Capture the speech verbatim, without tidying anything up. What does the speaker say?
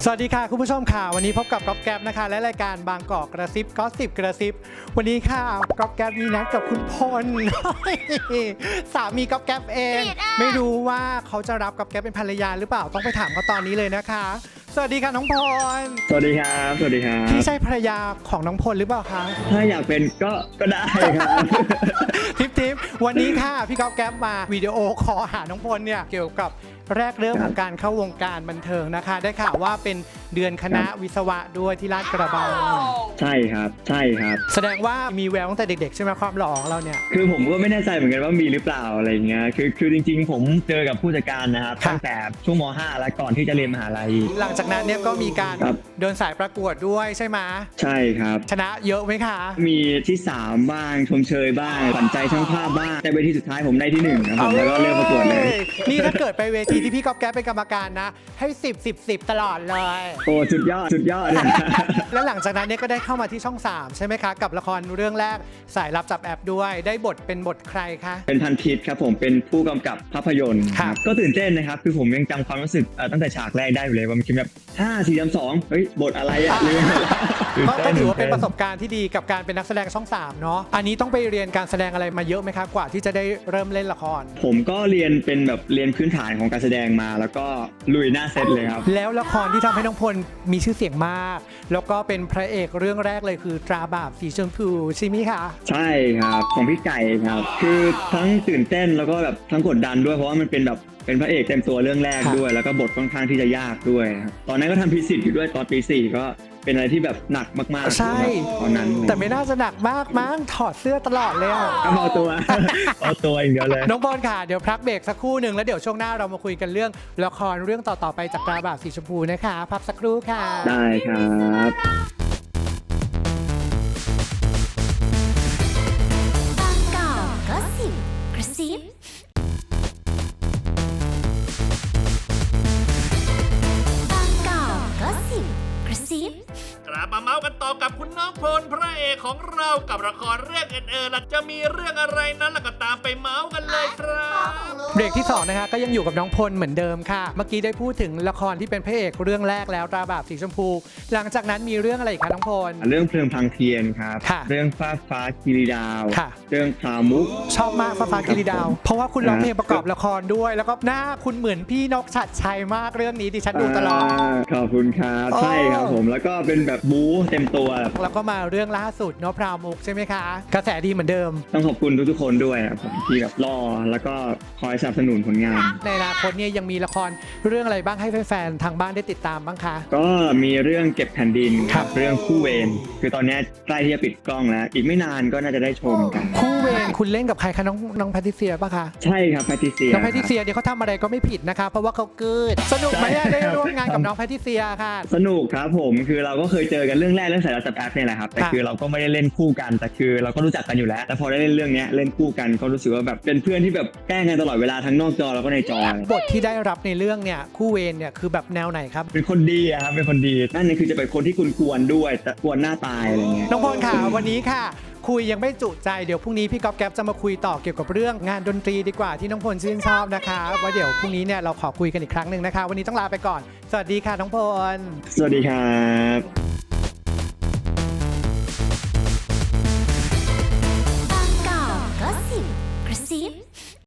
สวัสดีค่ะคุณผู้ชมค่ะวันนี้พบกับก๊อฟแก๊ปนะคะและรายการบางกอกกระซิบก็สิบกระซิบวันนี้ค่ะก๊อฟแก๊ปมีนัดกับคุณพล สามีก๊อฟแก๊ปเองไม่รู้ว่าเขาจะรับก๊อฟแก๊ปเป็นภรรยาหรือเปล่าต้องไปถามเขาตอนนี้เลยนะคะสวัสดีค่ะน้องพลสวัสดีครับสวัสดีครับพี่ใช่ภรรยาของน้องพลหรือเปล่าคะถ้าอยากเป็นก็ก็ได้ครับทิปทิปวันนี้ค่ะพี่ก๊อฟแก๊ปมาวิดีโอคอลหาน้องพลเนี่ยเกี่ยวกับแรกเริ่มของการเข้าวงการบันเทิงนะคะได้ข่าวว่าเป็นเดือนคณะวิศวะด้วยที่ลาดกระบังใช่ครับใช่ครับแสดงว่ามีแววตั้งแต่เด็กๆใช่ไหมความหล่อของเราเนี่ยคือผมก็ไม่แน่ใจเหมือนกันว่ามีหรือเปล่าอะไรเงี้ยคือคือจริงๆผมเจอกับผู้จัดการนะครับตั้งแต่ช่วงม ห้า แล้วก่อนที่จะเรียนมหาลัยหลังจากนั้นเนี่ยก็มีการเดินสายประกวดด้วยใช่ไหมใช่ครับชนะเยอะไหมคะมีที่สามบ้างชมเชยบ้างขวัญใจช่างภาพบ้างแต่เวทีสุดท้ายผมได้ที่หนึ่งครับผมแล้วก็เริ่มประกวดเลยนี่ถ้าเกิดไปเวทีที่พี่ก๊อฟแก๊ปเป็นกรรมการนะให้สิบ สิบ สิบตลอดเลยโอ้สุดยอดสุดยอดแล้วหลังจากนั้นเนี่ยก็ได้เข้ามาที่ช่องสามใช่ไหมคะกับละครเรื่องแรกสายลับจับแอบด้วยได้บทเป็นบทใครคะเป็นพันทิพย์ครับผมเป็นผู้กำกับภาพยนตร์ครับก็ตื่นเต้นนะครับคือผมยังจำความรู้สึกตั้งแต่ฉากแรกได้อยู่เลยว่ามันคือแบบห้า สี่ สาม สองเฮ้ยบทอะไรอ่ะก็ถือว่าเป็นประสบการณ์ที่ดีกับการเป็นนักแสดงช่องสามเนาะอันนี้ต้องไปเรียนการแสดงอะไรมาเยอะไหมคะกว่าที่จะได้เริ่มเล่นละครผมก็เรียนเป็นแบบเรียนพื้นฐานของการแสดงมาแล้วก็ลุยหน้าเซตเลยครับแล้วละครที่ทำให้น้องพลมีชื่อเสียงมากแล้วก็เป็นพระเอกเรื่องแรกเลยคือตราบาปสีชมพูใช่ไหมคะใช่ครับของพี่ไก่ครับคือทั้งตื่นเต้นแล้วก็แบบทั้งกดดันด้วยเพราะว่ามันเป็นแบบเป็นพระเอกเต็มตัวเรื่องแรกด้วยแล้วก็บทค่อนข้างที่จะยากด้วยครับตอนนั้นก็ทำพิสิทธิ์อยู่ด้วยตอนปีสี่ก็เป็นอะไรที่แบบหนักมากๆใช่ตอนนั้นแต่ไม่น่าจะหนักมากมั้งถอดเสื้อตลอดเลยอ่ะเอาตัวเอาตัวอย่างเดียวเลยน้องบอลค่ะเดี๋ยวพักเบรกสักครู่หนึ่งแล้วเดี๋ยวช่วงหน้าเรามาคุยกันเรื่องละครเรื่องต่อๆไปจากตราบาปสีชมพูนะคะพักสักครู่ค่ะได้ครับบางกอกก็สิบกระซิบางกอกก็สิบกระซิบกลับมาเมาส์กันต่อกับคุณน้องพลพระเอกของเรากับละครเรื่องเอ็นเอล่ะจะมีเรื่องอะไรนั้นล่ะก็ตามไปเมาส์กันเลยครับเบรกที่สองนะคะก็ยังอยู่กับน้องพลเหมือนเดิมค่ะเมื่อกี้ได้พูดถึงละครที่เป็นพระเอกเรื่องแรกแล้วตราบาปสีชมพูหลังจากนั้นมีเรื่องอะไรอีกคะน้องพลเรื่องเพลิงพังเทียนครับเรื่องฟ้าฟ้ากิริดาวเรื่องพามุกชอบมากฟ้าฟ้ากิริดาวเพราะว่าคุณร้องเพลงประกอบละครด้วยแล้วก็หน้าคุณเหมือนพี่นกชัดชัยมากเรื่องนี้ดิฉันดูตลอดขอบคุณครับใช่ครับผมแล้วก็เป็นแบบบู๊เต็มตัวแล้วก็มาเรื่องล่าสุดเนาะพราวมุกใช่ไหมคะกระแสดีเหมือนเดิมต้องขอบคุณทุกๆคนด้วยครับผมที่แบบรอแล้วก็คอยสนับสนุนผลงานในอนาคตเนี่ยยังมีละครเรื่องอะไรบ้างให้แฟนๆทางบ้านได้ติดตามบ้างคะก็มีเรื่องเก็บแผ่นดินครับเรื่องคู่เวรคือตอนนี้ใกล้ที่จะปิดกล้องแล้วอีกไม่นานก็น่าจะได้ชมกันคู่เวรคุณเล่นกับใครคะน้องน้องแพทริเซียป่ะคะใช่ครับแพทริเซียน้องแพทริเซียเดี๋ยวเขาทำอะไรก็ไม่ผิดนะคะเพราะว่าเขาเกิดสนุกไหมได้ร่วมงานกับน้องแพทริเซียค่ะสนุกครับผมคือเราก็เคยเจอกันเรื่องแรกเรื่องสายลับจับแอบเนี่ยแหละครับแต่คือเราก็ไม่ได้เล่นคู่กันแต่คือเราก็รู้จักกันอยู่แล้วแต่พอได้เล่นเรื่องนี้เล่นคู่กันก็รู้สึกว่าแบบเป็นเพื่อนที่แบบแกล้งกันตลอดเวลาทั้งนอกจอแล้วก็ในจอบทที่ได้รับในเรื่องเนี่ยคู่เวรเนี่ยคือแบบแนวไหนครับเป็นคนดีครับเป็นคนดีนั่นนี่คือจะเป็นคนที่คุณกวนด้วยแต่กวนหน้าตายอะไรเงี้ยน้องพลค่ะวันนี้ค่ะคุยยังไม่จุใจเดี๋ยวพรุ่งนี้พี่ก๊อฟแก๊ปจะมาคุยต่อเกี่ยวกับเรื่องงานดนตรีดีกว่าที่น้องพลชื่นชอบนะคะว่าเดี๋ยวพรุ่งนี้เนี่ยเราขอคุยกันอีกครั้งหนึ่งนะคะวันนี้ต้องลาไปก่อนสวัสดีค่ะน้องพลสวัสดีครับบางกอกก็สิบกระซิบ